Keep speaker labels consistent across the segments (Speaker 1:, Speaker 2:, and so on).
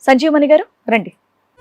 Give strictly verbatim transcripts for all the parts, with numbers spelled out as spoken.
Speaker 1: సంజీవమణి గారు రండి.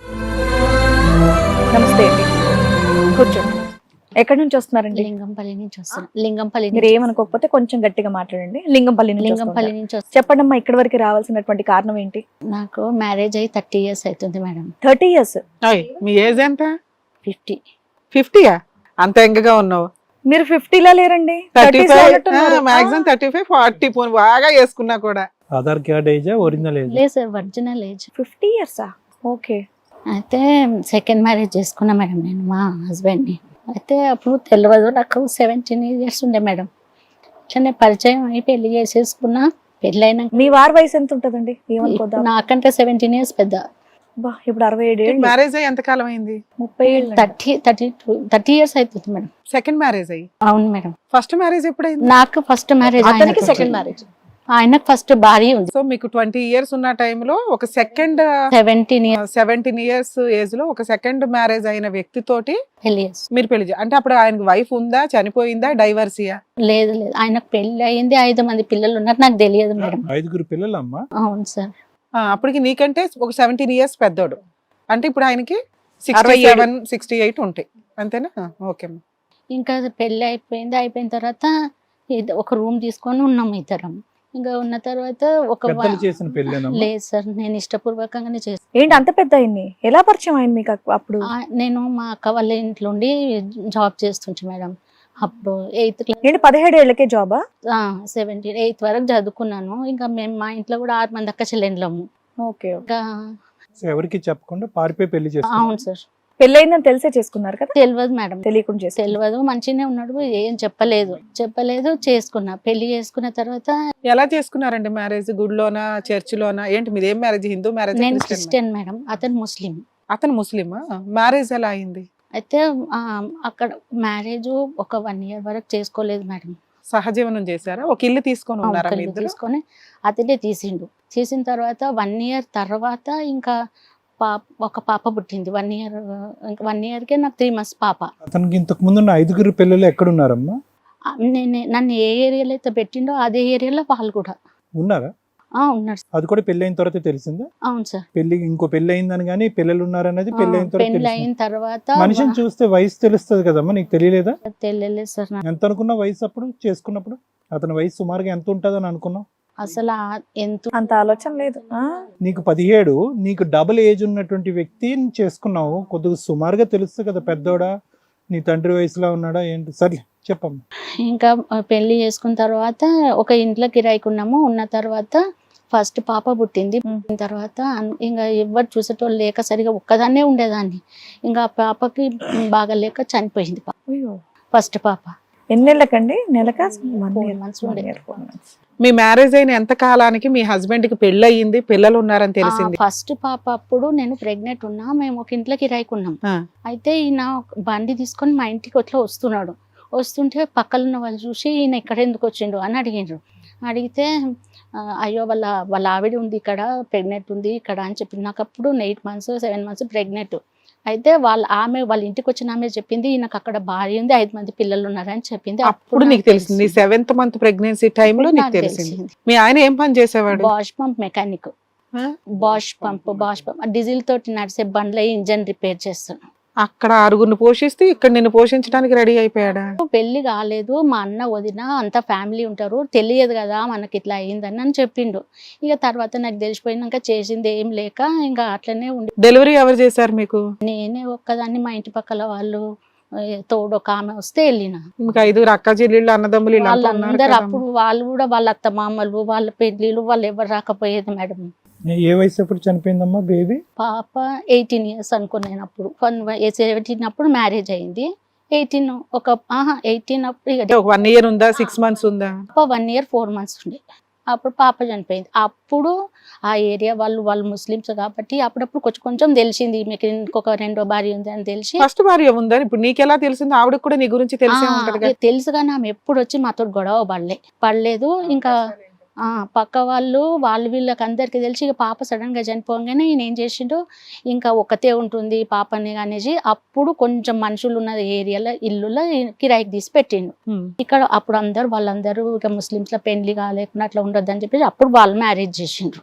Speaker 1: నమస్తే అండి, కూర్చోండి. ఎక్కడి నుంచి వస్తున్నారండి?
Speaker 2: లింగంపల్లి నుంచి వస్తాను. లింగంపల్లి
Speaker 1: మీరు ఏమనుకోకపోతే కొంచెం గట్టిగా మాట్లాడండి. లింగంపల్లి నుంచి
Speaker 2: లింగంపల్లి నుంచి వస్తాను.
Speaker 1: చెప్పండి అమ్మా, ఇక్కడి వరకు రావాల్సినటువంటి కారణం ఏంటి?
Speaker 2: నాకు మ్యారేజ్ అయ్యి థర్టీ ఇయర్స్ అవుతుంది మేడం.
Speaker 1: థర్టీ ఇయర్స్
Speaker 3: మీ ఏజ్ ఎంత?
Speaker 2: ఫిఫ్టీ.
Speaker 3: ఫిఫ్టీయా? అంత ఎంగగా ఉన్నావు.
Speaker 1: మీరు ఫిఫ్టీలా లేరండి,
Speaker 3: thirty five maximum thirty five forty పోను బాగా వేసుకున్నా కూడా.
Speaker 4: Aadhaar card age original age?
Speaker 2: లేదు సార్, ఒరిజినల్ ఏజ్.
Speaker 1: ఫిఫ్టీ ఇయర్సా? ఓకే.
Speaker 2: అయితే సెకండ్ మ్యారేజ్ చేసుకున్నా మేడం నేను మా హస్బెండ్ని. అయితే అప్పుడు తెలియదు, నాకు సెవెంటీన్ ఇయర్స్ ఉండే మేడం. చిన్న పరిచయం అయి పెళ్లి చేసేసుకున్నా. పెళ్ళి అయినాక
Speaker 1: మీ వారి వయసు ఎంత ఉంటదండి? ఏమనుకోదా?
Speaker 2: నాకంటే సెవెంటీన్ ఇయర్స్ పెద్ద.
Speaker 1: బా, ఇప్పుడు అరవై ఏడు ఏళ్ళు.
Speaker 3: మ్యారేజ్ అయ్యి ఎంత కాలం అయింది?
Speaker 1: ముప్పై ఏళ్ళు.
Speaker 2: Thirty thirty two thirty years అవుతుంది మేడం.
Speaker 3: సెకండ్ మ్యారేజ్ అయ్యి?
Speaker 2: అవును మేడం.
Speaker 3: ఫస్ట్ మ్యారేజ్ ఎప్పుడైంది?
Speaker 2: నాకు ఫస్ట్ మ్యారేజ్,
Speaker 1: అతనికి సెకండ్ మ్యారేజ్.
Speaker 2: ఆయనకు ఫస్ట్ భార్య ఉంది.
Speaker 3: సో మీకు ట్వంటీ ఇయర్స్ ఉన్న టైంలో ఒక second
Speaker 2: seventeen years
Speaker 3: seventeen years age లో ఒక సెకండ్ మ్యారేజ్ అయిన వ్యక్తితోటి
Speaker 2: పెళ్లి చేసి.
Speaker 3: మీరు పెళ్లి చే- అంటే అప్పుడు ఆయనకు వైఫ్ ఉందా, చనిపోయిందా, డైవర్సియా?
Speaker 2: లేదు లేదు, ఆయనకు పెళ్లి అయింది, ఐదు మంది పిల్లలు ఉన్నారు, నాకు తెలియదు మేడం.
Speaker 4: ఐదుగురు పిల్లలమ్మా?
Speaker 2: అవును సార్.
Speaker 3: అప్పటికి నీకంటే ఒక సెవెంటీన్ ఇయర్స్ పెద్దోడు. అంటే ఇప్పుడు ఆయనకి సిక్స్టీ
Speaker 1: అరవై ఏడు.
Speaker 3: సెవెన్ సిక్స్టీ ఎయిట్ ఉంటాయి అంతేనా? ఓకే.
Speaker 2: ఇంకా అది పెళ్లి అయిపోయింది. అయిపోయిన తర్వాత ఇది ఒక రూమ్ తీసుకొని ఉన్నాము ఇద్దరం. ఇంకా ఉన్న తర్వాత ఒక
Speaker 4: పెద్దలు
Speaker 2: వా-
Speaker 4: చేసిన పెళ్ళేనమ్మా?
Speaker 2: లేదు సార్, నేను ఇష్టపూర్వకంగానే చేస్తాను.
Speaker 1: ఏంటి అంత పెద్ద ఆయన్ని ఎలా పరిచయం అయింది మీకు అప్- అప్పుడు?
Speaker 2: నేను మా అక్క వాళ్ళ ఇంట్లో ఉండి జాబ్ చేస్తుంటే మేడం. అప్పుడు ఎయిత్ క్లాస్,
Speaker 1: ఏంటి పదిహేడు ఏళ్ళకే జాబా?
Speaker 2: సెవెంటీన్ ఎయిత్ వరకు చదువుకున్నాను. ఇంకా మేము మా ఇంట్లో కూడా ఆరు మంది అక్క చెల్లెండ్లము.
Speaker 1: ఓకే.
Speaker 2: ఇంకా
Speaker 4: సో ఎవరికి చెప్పకుండా పారిపోయి పెళ్లి చేస్తారు?
Speaker 2: అవును సార్.
Speaker 1: పెళ్ళయిందని తెలిసే చేసుకున్నారు కదా?
Speaker 2: తెలియదు మేడం,
Speaker 1: తెలియకుండా చేస్తారు.
Speaker 2: తెలియదు. మంచిగానే ఉన్నాడు, ఏం చెప్పలేదు చెప్పలేదు చేసుకున్నా. పెళ్లి చేసుకున్న తర్వాత
Speaker 3: ఎలా చేసుకున్నారండి మ్యారేజ్? గుడిలోనా, చర్చ్ లోనా? ఏంటి మీది? ఏం మ్యారేజ్? హిందూ మ్యారేజ్?
Speaker 2: నేను క్రిస్టియన్ మేడం, అతను ముస్లిం.
Speaker 3: అతను ముస్లిమా? మ్యారేజ్ ఎలా అయింది?
Speaker 2: అయితే ఆ, అక్కడ మ్యారేజ్ ఒక వన్ ఇయర్ వరకు చేసుకోలేదు మేడం.
Speaker 3: సహజీవనం చేశారా? ఒక ఇల్లు తీసుకొని ఉన్నారా మీ
Speaker 2: ఒకళ్ళు
Speaker 3: ఇద్దరు?
Speaker 2: తీసుకొని అతనే తీసిండు. తీసిన తర్వాత వన్ ఇయర్ తర్వాత ఇంకా పాప ఒక పాప పుట్టింది. వన్ ఇయర్ వన్ ఇయర్కే నాకు త్రీ మంత్స్ పాప.
Speaker 4: అతనికి ఇంతకు ముందు ఉన్న ఐదుగురు పిల్లలు ఎక్కడున్నారమ్మా?
Speaker 2: ఆ, నేను నన్ను ఏ ఏరియాలో అయితే పెట్టిండో అదే ఏరియాలో వాళ్ళు కూడా
Speaker 4: ఉన్నారా?
Speaker 2: ఆ ఉన్నారు సార్.
Speaker 4: అది కూడా పెళ్లి అయిన తర్వాత తెలిసిందా?
Speaker 2: అవును సార్.
Speaker 4: పెళ్లి ఇంకో పెళ్లి అయిందని కానీ పిల్లలు ఉన్నారనేది పెళ్లి అయిన తర్వాత
Speaker 2: పెళ్లి
Speaker 4: తెలిసిందా?
Speaker 2: అయిన తర్వాత
Speaker 4: మనిషిని చూస్తే వయసు తెలుస్తుంది కదమ్మా, నీకు తెలియలేదా?
Speaker 2: తెలియలేదు సార్ నాకు.
Speaker 4: ఎంత అనుకున్నా వయసు అప్పుడు చేసుకున్నప్పుడు? అతని వయసు సుమారుగా ఎంత ఉంటుందని అనుకున్నావు?
Speaker 2: అసలు ఆ- ఎంత
Speaker 1: అంత ఆలోచన లేదు. ఆ?
Speaker 4: నీకు పదిహేడు, నీకు డబుల్ ఏజ్ ఉన్నటువంటి వ్యక్తిని చేసుకున్నావు. కొద్దిగా సుమారుగా తెలుస్తుంది కదా, పెద్దోడా, నీ తండ్రి వయసులో ఉన్నాడా ఏంటి? సర్లే చెప్పమ్మా.
Speaker 2: ఇంకా పెళ్లి చేసుకున్న తర్వాత ఒక ఇంట్లో కిరాయికి ఉన్నాము. ఉన్న తర్వాత ఫస్ట్ పాప పుట్టింది. పుట్టిన తర్వాత అన్- ఇంకా ఎవరు చూసేటోళ్ళు లేక సరిగా ఒక్కదాన్నే ఉండేదాన్ని. ఇంకా ఆ పాపకి బాగా లేక చనిపోయింది పాప.
Speaker 1: అయ్యో.
Speaker 2: ఫస్ట్ పాప
Speaker 1: ఎన్నేళ్ళకండి? నెలకా?
Speaker 2: Four months ఉండేది.
Speaker 3: మీ మ్యారేజ్ అయిన ఎంత కాలానికి మీ హస్బెండ్ కి పెళ్లి అయ్యింది, పిల్లలు ఉన్నారని తెలిసింది?
Speaker 2: ఫస్ట్ పాప అప్పుడు నేను ప్రెగ్నెంట్ ఉన్నా. మేము ఒక ఇంట్లో కిరాయికి ఉన్నాం.
Speaker 3: ఆ.
Speaker 2: అయితే ఈయన బండి తీసుకొని మా ఇంటికి అట్లా వస్తున్నాడు. వస్తుంటే పక్కన ఉన్న వాళ్ళు చూసి ఈయన ఇక్కడ ఎందుకు వచ్చిండు అని అడిగిండ్రు. అడిగితే ఆ, అయ్యో వాళ్ళ వాళ్ళ ఆవిడ ఉంది ఇక్కడ, ప్రెగ్నెంట్ ఉంది ఇక్కడ అని చెప్పింది. నాకు అప్పుడు eight months seven months pregnant. అయితే వాళ్ళ ఆమె వాళ్ళ ఇంటికి వచ్చిన ఆమె చెప్పింది ఈయనకు అక్కడ భార్య ఉంది, ఐదు మంది పిల్లలు ఉన్నారని చెప్పింది.
Speaker 3: అప్పుడు నీకు తెలిసింది? సెవెంత్ మంత్ ప్రెగ్నెన్సీ టైంలో నీకు తెలిసింది. మీ ఆయన ఏం పని చేసేవాడు?
Speaker 2: Bosch pump mechanic.
Speaker 3: ఆ?
Speaker 2: Bosch pump Bosch pump diesel తోటి నడిచే బండ్ల ఇంజన్ రిపేర్ చేస్తాను.
Speaker 3: అక్కడ ఆరుగురిని పోషిస్తూ ఇక్కడ నిన్ను పోషించడానికి రెడీ అయిపోయాడా?
Speaker 2: పెళ్లి కాలేదు, మా అన్న వదిన అంత ఫ్యామిలీ ఉంటారు, తెలియదు కదా మనకి ఇట్లా అయిందని అని చెప్పిండు. ఇక తర్వాత నాకు తెలిసిపోయినాక చేసింది ఏం లేక ఇంకా అట్లనే ఉండి
Speaker 3: డెలివరీ ఎవరు చేశారు మీకు?
Speaker 2: నేనే ఒక్కదాన్ని, మా ఇంటి పక్కల వాళ్ళు ఏ, తోడు ఒక ఆమె వస్తే వెళ్ళిన.
Speaker 3: మీకు ఐదుగురు అక్క చెల్లెళ్ళు, అన్నదమ్ములు ఇలా ఉన్నారు
Speaker 2: వాళ్ళందరూ
Speaker 3: కదమ్మా.
Speaker 2: అప్పుడు వాళ్ళు కూడా వాళ్ళ అత్త మామలు వాళ్ళ పెళ్లిళ్ళు వాళ్ళు ఎవరు రాకపోయేది మేడం.
Speaker 4: ఏ వయసు అప్పుడు చనిపోయిందమ్మా బేబీ?
Speaker 2: పాప ఎయిటీన్ ఇయర్స్ అనుకున్నాను అప్పుడు. సెవెంటీన్ అప్పుడు మ్యారేజ్ అయింది. ఎయిటీన్ ఒక ఆహా ఎయిటీన్ అప్పుడు ఇక
Speaker 3: ఒక వన్ ఇయర్ ఉందా, సిక్స్ మంత్స్ ఉందా?
Speaker 2: పాప వన్ ఇయర్ ఫోర్ మంత్స్ ఉండే. అప్పుడు పాప చనిపోయింది. అప్పుడు ఆ ఏరియా వాళ్ళు వాళ్ళు ముస్లిమ్స్ కాబట్టి అప్పుడప్పుడు కొంచెం కొంచెం తెలిసింది మీకు ఇంకొక రెండో భార్య ఉంది అని తెలిసి.
Speaker 3: ఫస్ట్ భార్య ఉందని ఇప్పుడు నీకెలా తెలిసింది? ఆవిడకి కూడా నీ గురించి తెలిసే
Speaker 2: ఆ,
Speaker 3: ఉంటది కదా.
Speaker 2: ఇక తెలుసు కానీ ఆమె ఎప్పుడు వచ్చి మాతో గొడవ పడలే పడలేదు. ఇంకా ఆ పక్క వాళ్ళు వాళ్ళు వీళ్ళకి అందరికి తెలిసి ఇక పాప సడన్ గా చనిపోగానే ఈయన ఏం చేసిండు, ఇంకా ఒక్కతే ఉంటుంది పాపని అనేసి అప్పుడు కొంచెం మనుషులు ఉన్న ఏరియాలో ఇల్లులో కిరాయికి తీసి పెట్టిండు.
Speaker 3: ఉమ్.
Speaker 2: ఇక్కడ అప్పుడు అందరు వాళ్ళందరూ ఇక ముస్లిమ్స్ లో పెళ్లి కాలేకుండా అట్లా ఉండొద్దు అని చెప్పేసి అప్పుడు వాళ్ళు మ్యారేజ్ చేసిండ్రు.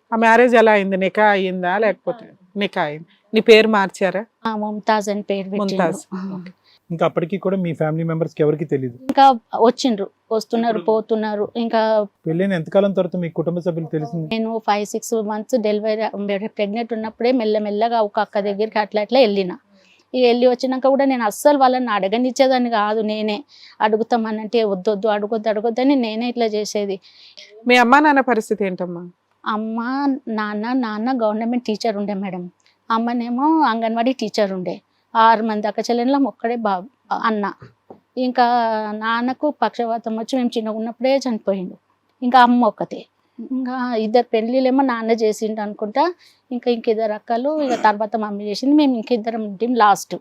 Speaker 3: ఆ మ్యారేజ్ ఎలా అయింది? నికా అయిందా లేకపోతే? నికా అయింది. నీ పేరు మార్చారా?
Speaker 2: ఆ ముంతాజ్ అని పేరు
Speaker 3: ముంతాజ్.
Speaker 2: పెట్టిండ్రు.
Speaker 4: ఇంకా అప్పటికి కూడా మీ ఫ్యామిలీ మెంబర్స్ కి ఎవరికి తెలియదు.
Speaker 2: ఇంకా వచ్చిండ్రు, వస్తున్నారు, పోతున్నారు. ఇంకా
Speaker 4: పెళ్ళైన ఎంతకాలం తర్వాత మీ కుటుంబ సభ్యులు తెలిసింది?
Speaker 2: నేను five six months delivery pregnant ఉన్నప్పుడే మెల్లమెల్లగా ఒక అక్క దగ్గరికి అట్లా అట్లా వెళ్ళిన. ఇక వెళ్ళి వచ్చినాక కూడా నేను అస్సలు వాళ్ళని అడగనిచ్చేదాన్ని కాదు. నేనే అడుగుతామనంటే వద్దొద్దు, అడగొద్దు అడగొద్దని నేనే ఇట్లా చేసేది.
Speaker 3: మీ అమ్మా నాన్న పరిస్థితి ఏంటమ్మా?
Speaker 2: అమ్మ నాన్న నాన్న గవర్నమెంట్ టీచర్ ఉండే మేడం, అమ్మనేమో అంగన్వాడీ టీచర్ ఉండే. ఆరు మంది అక్క చెల్లెళ్ళం, ఒక్కడే బాబు అన్న. ఇంకా నాన్నకు పక్షవాతం వచ్చి మేము చిన్నగా ఉన్నప్పుడే చనిపోయిండు. ఇంకా అమ్మ ఒక్కతే. ఇంకా ఇద్దరు పెళ్ళిళ్ళేమో నాన్న చేసిండు అనుకుంటా. ఇంకా ఇంకిద్దరు అక్కలు, ఇక తర్వాత మమ్మీ చేసింది. మేము ఇంకిద్దరం ఉంటాం లాస్ట్.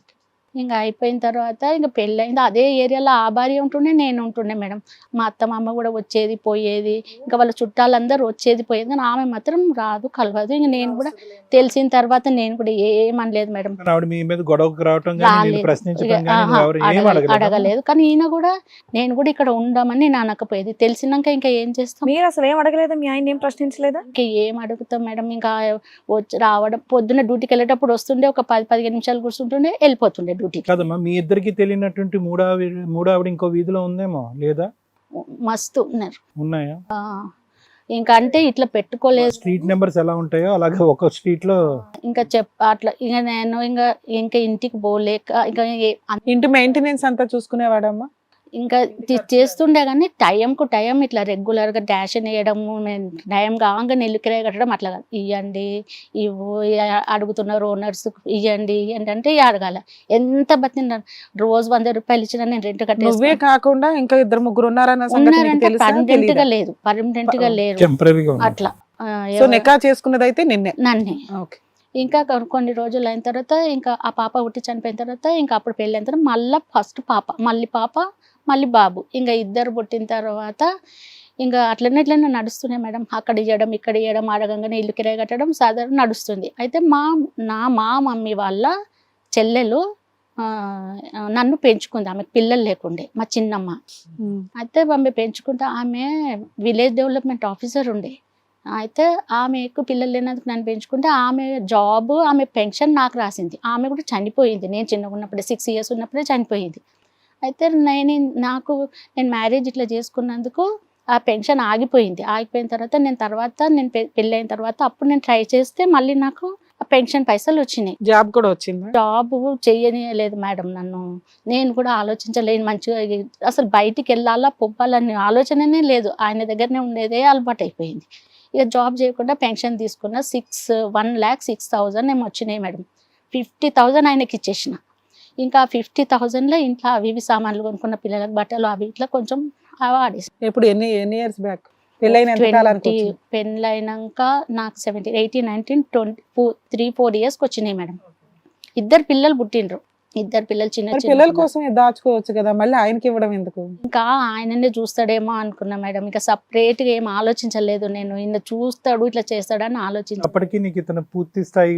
Speaker 2: ఇంకా అయిపోయిన తర్వాత ఇంకా పెళ్ళయింది. అదే ఏరియాలో ఆ భార్య ఉంటుండే, నేను ఉంటుండే మేడం. మా అత్త మామ కూడా వచ్చేది పోయేది. ఇంకా వాళ్ళ చుట్టాలందరూ వచ్చేది పోయేది, కానీ ఆమె మాత్రం రాదు, కలవదు. ఇంకా నేను కూడా తెలిసిన తర్వాత నేను కూడా ఏమనలేదు మేడం.
Speaker 4: ఆవిడ మీ మీద గొడవకు రావటం కానీ, నిన్ను
Speaker 2: రాలేదు.
Speaker 4: ప్రశ్నించడం
Speaker 2: ఇక,
Speaker 4: కానీ,
Speaker 2: ఆహా,
Speaker 4: నువ్వు ఎవరు ఏం
Speaker 2: అడగ-
Speaker 4: అడగలేదా?
Speaker 2: అడగలేదు. కానీ ఈయన కూడా నేను కూడా ఇక్కడ ఉండమని నేను అనకపోయేది. తెలిసినాక ఇంకా ఏం చేస్తాం?
Speaker 1: మీరు అసలు ఏం అడగలేదా? మీ ఆయన ఏం ప్రశ్నించలేదా?
Speaker 2: ఇంకా ఏం అడుగుతాం మేడం? ఇంకా వచ్చి రావడం, పొద్దున్న డ్యూటీకి వెళ్ళేటప్పుడు వస్తుండే, ఒక పది పదిహేను నిమిషాలు కూర్చుంటుండే, వెళ్ళిపోతుండే డ్యూటీకి.
Speaker 4: కాదమ్మా, మీ ఇద్దరికి తెలియనటువంటి మూడో ఆవిడ మూడో ఆవిడ ఇంకో వీధిలో ఉందేమో, లేదా?
Speaker 2: మస్తు ఉన్నారు.
Speaker 4: ఉన్నాయా?
Speaker 2: ఆ, ఇంకా అంటే ఇట్లా పెట్టుకోలేదు.
Speaker 4: స్ట్రీట్ నెంబర్స్ ఎలా ఉంటాయో అలాగే ఒక స్ట్రీట్ లో.
Speaker 2: ఇంకా చెప్ అట్లా ఇంకా నేను ఇంకా ఇంకా ఇంటికి పోలేక ఇంకా ఏ-
Speaker 3: ఇంటి మెయింటెనెన్స్ అంతా చూసుకునేవాడమ్మా?
Speaker 2: ఇంకా తి- చేస్తుండే కానీ టైంకు టైం ఇట్లా రెగ్యులర్గా డాష్ వేయడము, టైం కాగా నెల్లికిరే కట్టడం అట్లా కాదు. ఇవ్వండి, ఇవ్వు, ఇ- అడుగుతున్నారు ఓనర్స్, ఇవ్వండి ఇవ్వండి అంటే ఇక అడగాల. ఎంత బతిన రోజు వంద రూపాయలు ఇచ్చినా నేను రెంట్
Speaker 3: నువ్వే
Speaker 2: కట్టేసి
Speaker 3: కాకుండా ఇంకా ఇద్దరు ముగ్గురు ఉన్నారన్న సంగతి నీకు
Speaker 2: ఉన్నారంటే
Speaker 3: తెలుసా?
Speaker 2: పర్మనెంట్ గా
Speaker 3: తెలీదా?
Speaker 2: లేదు, పర్మనెంట్ గా లేరు
Speaker 4: టెంపరీగా ఉంది.
Speaker 2: అట్లా. ఆ,
Speaker 3: సో
Speaker 2: ఎవ-
Speaker 3: నికా చేసుకున్నది అయితే నిన్నే.
Speaker 2: నన్నే.
Speaker 3: ఓకే.
Speaker 2: ఇంకా కొ- కొన్ని రోజులు అయిన తర్వాత ఇంకా ఆ పాప పుట్టి చనిపోయిన తర్వాత ఇంకా అప్పుడు పెళ్ళి అయిన తర్వాత మళ్ళీ ఫస్ట్ పాప, మళ్ళీ పాప, మళ్ళీ బాబు. ఇంకా ఇద్దరు పుట్టిన తర్వాత ఇంకా అట్లనే ఇట్లనే నడుస్తున్నాయి మేడం. అక్కడ ఇవ్వడం, ఇక్కడ ఇవ్వడం, అడగంగానే ఇల్లు కిరాయి కట్టడం సాధారణ నడుస్తుంది. అయితే మా నా మా మమ్మీ వాళ్ళ చెల్లెలు ఆ, నన్ను పెంచుకుంది. ఆమెకు పిల్లలు లేకుండే, మా చిన్నమ్మ. అయితే ఆమె పెంచుకుంటే ఆమె విలేజ్ డెవలప్మెంట్ ఆఫీసర్ ఉండే. అయితే ఆమెకు పిల్లలు లేనందుకు నన్ను పెంచుకుంటే ఆమె జాబ్, ఆమె పెన్షన్ నాకు రాసింది. ఆమె కూడా చనిపోయింది నేను చిన్నగా ఉన్నప్పుడే, సిక్స్ ఇయర్స్ ఉన్నప్పుడే చనిపోయింది. అయితే నేను నాకు నేను మ్యారేజ్ ఇట్లా చేసుకున్నందుకు ఆ పెన్షన్ ఆగిపోయింది. ఆగిపోయిన తర్వాత నేను తర్వాత నేను పె- పెళ్ళైన తర్వాత అప్పుడు నేను ట్రై చేస్తే మళ్ళీ నాకు ఆ పెన్షన్ పైసలు వచ్చినాయి.
Speaker 3: జాబ్ కూడా వచ్చిందా?
Speaker 2: జాబ్ చెయ్యలేదు మేడం నన్ను. నేను కూడా ఆలోచించలేను మంచిగా. అసలు బయటికి వెళ్ళాలా పొవ్వాలనే ఆలోచననే లేదు. ఆయన దగ్గరనే ఉండేదే అలవాటు అయిపోయింది. ఇక జాబ్ చేయకుండా పెన్షన్ తీసుకున్న six one lakh six thousand ఏమో వచ్చినాయి మేడం. ఫిఫ్టీ థౌజండ్ ఆయనకి ఇచ్చేసిన. ఇంకా ఫిఫ్టీ థౌజండ్లో ఇంట్లో అవి ఇవి సామాన్లు కొనుక్కున్న, పిల్లలకు బట్టలు అవి ఇట్లా కొంచెం వాడేసి.
Speaker 3: ఎప్పుడు ఎన్ని ఎన్ని ఇయర్స్ బ్యాక్? పెళ్ళైన ఎంత కాలానికి వచ్చింది?
Speaker 2: పెళ్ళైనాక నాకు seventeen eighteen nineteen twenty four three four ఇయర్స్కి వచ్చినాయి మేడం. ఇద్దరు పిల్లలు పుట్టిండ్రు. ఇద్దరు పిల్లలు చిన్న
Speaker 3: మరి
Speaker 2: చిన్న
Speaker 3: పిల్లల
Speaker 2: పిల్లలు.
Speaker 3: కోసం దాచుకోవచ్చు కదా, మళ్ళీ ఆయనకి ఇవ్వడం ఎందుకు?
Speaker 2: ఇంకా ఆయననే చూస్తాడేమో అనుకున్నా మేడం. ఇంకా సపరేట్గా ఏం ఆలోచించలేదు నేను. ఈయన చూస్తాడు ఇట్లా చేస్తాడని ఆలోచించాను.
Speaker 4: అప్పటికి నీకు ఇతను పూర్తి స్థాయి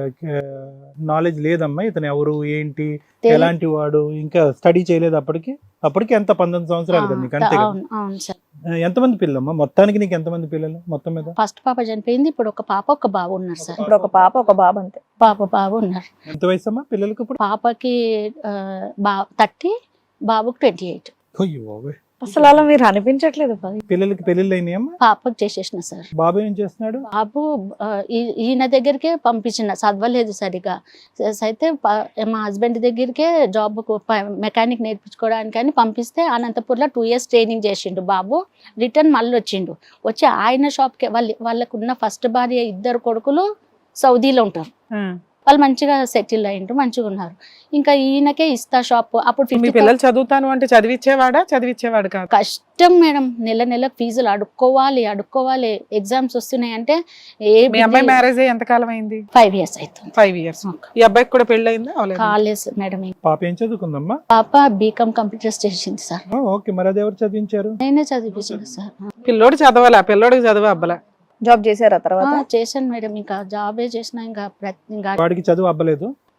Speaker 4: నాలెడ్జ్ లేదమ్మా, ఇతను ఎవరు ఏంటి
Speaker 2: తెలి-
Speaker 4: ఎలాంటి వాడు, ఇంకా స్టడీ చేయలేదు అప్పటికి. అప్పటికి ఎంత పంతొమ్మిది సంవత్సరాలు కదా నీకు, అంతే కదా?
Speaker 2: అవును అవును సార్.
Speaker 4: ఎంతమంది పిల్లలమ్మా మొత్తానికి? నీకు ఎంతమంది పిల్లలు మొత్తం మీద?
Speaker 2: ఫస్ట్ పాప చనిపోయింది, ఇప్పుడు ఒక పాప ఒక బాబు ఉన్నారు సార్.
Speaker 1: ఇప్పుడు ఒక పాప ఒక బాబు అంతే.
Speaker 2: పాప బాబు ఉన్నారు.
Speaker 4: ఎంత వయసు అమ్మా పిల్లలకి ఇప్పుడు?
Speaker 2: పాపకి ఆ, బా థర్టీ, బాబుకి ట్వంటీ ఎయిట్.
Speaker 4: అయ్యో బాబోయ్.
Speaker 1: అసలు అలా మీరు అనిపించట్లేదు పది.
Speaker 4: పిల్లలకి పెళ్ళిళ్ళు అయినాయమ్మా?
Speaker 2: పాపకి చేసేసిన సార్.
Speaker 4: బాబు ఏం చేస్తున్నాడు?
Speaker 2: బాబు ఆ, ఈ- ఈయన దగ్గరికే పంపించిన, చదవలేదు సరిగా. స- అయితే ప- మా హస్బెండ్ దగ్గరికే జాబ్ మెకానిక్ నేర్పించుకోవడానికి అని పంపిస్తే అనంతపూర్లో టూ ఇయర్స్ ట్రైనింగ్ చేసిండు బాబు. రిటర్న్ మళ్ళీ వచ్చిండు. వచ్చి ఆయన షాప్కి వాళ్ళ వాళ్ళకున్న ఫస్ట్ భార్య ఇద్దరు కొడుకులు సౌదీలో ఉంటారు. వాళ్ళు మంచిగా సెటిల్ అయ్యిండ్రు, మంచిగా ఉన్నారు. ఇంకా ఈయనకే ఇస్తా షాప్. అప్పుడు
Speaker 3: మీ
Speaker 2: ఫిఫ్టీ
Speaker 3: పిల్లలు చదువుతాను అంటే చదివిచ్చేవాడా? చదివిచ్చేవాడు కాదు.
Speaker 2: కష్టం మేడం. నెల నెల ఫీజులు అడుక్కోవాలి అడుక్కోవాలి ఎగ్జామ్స్ వస్తున్నాయి అంటే ఏ
Speaker 3: మీ అమ్మాయి మ్యారేజ్ అయ్యి ఎంత కాలం అయింది?
Speaker 2: ఫైవ్ ఇయర్స్ అవుతుంది.
Speaker 3: Five years. ఈ అబ్బాయికి కూడా పెళ్ళి అయిందా? అవలేదు.
Speaker 2: College madam.
Speaker 4: పాప ఏం చదువుకుందమ్మా?
Speaker 2: పాప బీకామ్ కంప్యూటర్స్ చేసింది సార్.
Speaker 4: ఓ, ఓకే. మరి అది ఎవరు చదివించారు?
Speaker 2: నేనే చదివించాను సార్.
Speaker 3: పిల్లోడు చదవాలా? పిల్లోడికి చదువు అబ్బలా?
Speaker 1: జాబ్ చేశారా తర్వాత?
Speaker 2: ఆ, చేశాను మేడం. ఇంకా జాబే చేసిన ఇంకా ప్రతి ఇంకా
Speaker 4: వాడికి చదువు అవ్వలేదు?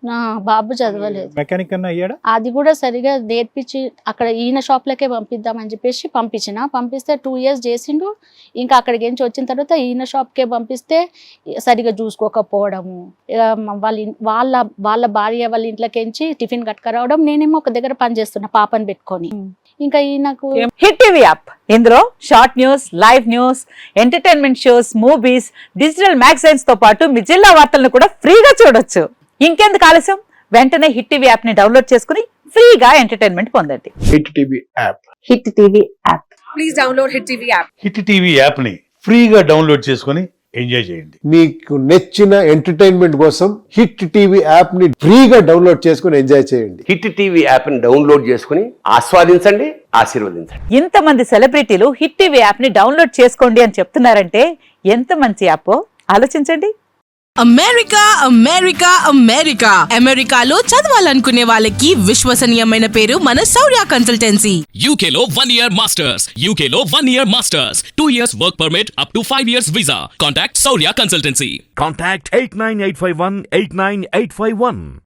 Speaker 2: నా బాబు చదవలేదు.
Speaker 4: మెకానిక్ అన్న అయ్యాడా?
Speaker 2: అది కూడా సరిగా నేర్పించి అక్కడ ఈయన షాప్లకే పంపిద్దామని చెప్పేసి పంపించిన. పంపిస్తే టూ ఇయర్స్ చేసిండు. ఇంకా అక్కడికి నుంచి వచ్చిన తర్వాత ఈయన షాప్కే పంపిస్తే సరిగా చూసుకోకపోవడము, ఇక వాళ్ళ ఇన్- వాళ్ళ వాళ్ళ భార్య వాళ్ళ ఇంట్లోకించి టిఫిన్ కట్టుకురావడం, నేనేమో ఒక దగ్గర పని చేస్తున్నా పాపని పెట్టుకొని. ఇంకా ఈయనకు
Speaker 1: హిట్ టీవీ యాప్ ఇందులో short news, live news, entertainment shows, movies, digital magazines తో పాటు మీ జిల్లా వార్తలను కూడా ఫ్రీగా చూడొచ్చు. ఇంకెందుకు ఆలస్యం, వెంటనే హిట్ టీవీ యాప్ ని డౌన్లోడ్ చేసుకుని ఫ్రీగా ఎంటర్టైన్మెంట్ పొందండి.
Speaker 5: Hit TV app
Speaker 1: Hit TV app.
Speaker 6: Hit TV app ని ఫ్రీగా డౌన్లోడ్ చేసుకొని ఎంజాయ్ చేయండి.
Speaker 5: మీకు నచ్చిన ఎంటర్టైన్మెంట్ కోసం హిట్ టీవీ యాప్ ని ఫ్రీగా డౌన్లోడ్ చేసుకుని ఎంజాయ్ చేయండి.
Speaker 7: హిట్ టీవీ యాప్ని డౌన్లోడ్ చేసుకుని ఆస్వాదించండి, ఆశీర్వదించండి.
Speaker 1: ఇంతమంది సెలబ్రిటీలు హిట్ టీవీ యాప్ ని డౌన్లోడ్ చేసుకోండి అని చెప్తున్నారంటే ఎంత మంచి యాప్ ఆలోచించండి.
Speaker 8: అమెరికా అమెరికా అమెరికా అమెరికాలో చదవాలనుకునే వాళ్ళకి విశ్వసనీయమైన పేరు మన శౌర్య కన్సల్టెన్సీ.
Speaker 9: U K లో one year masters, U K లో one year masters, two years work permit up to five years visa. Contact Saurya Consultancy.
Speaker 10: Contact eight nine eight five one eight nine eight five one.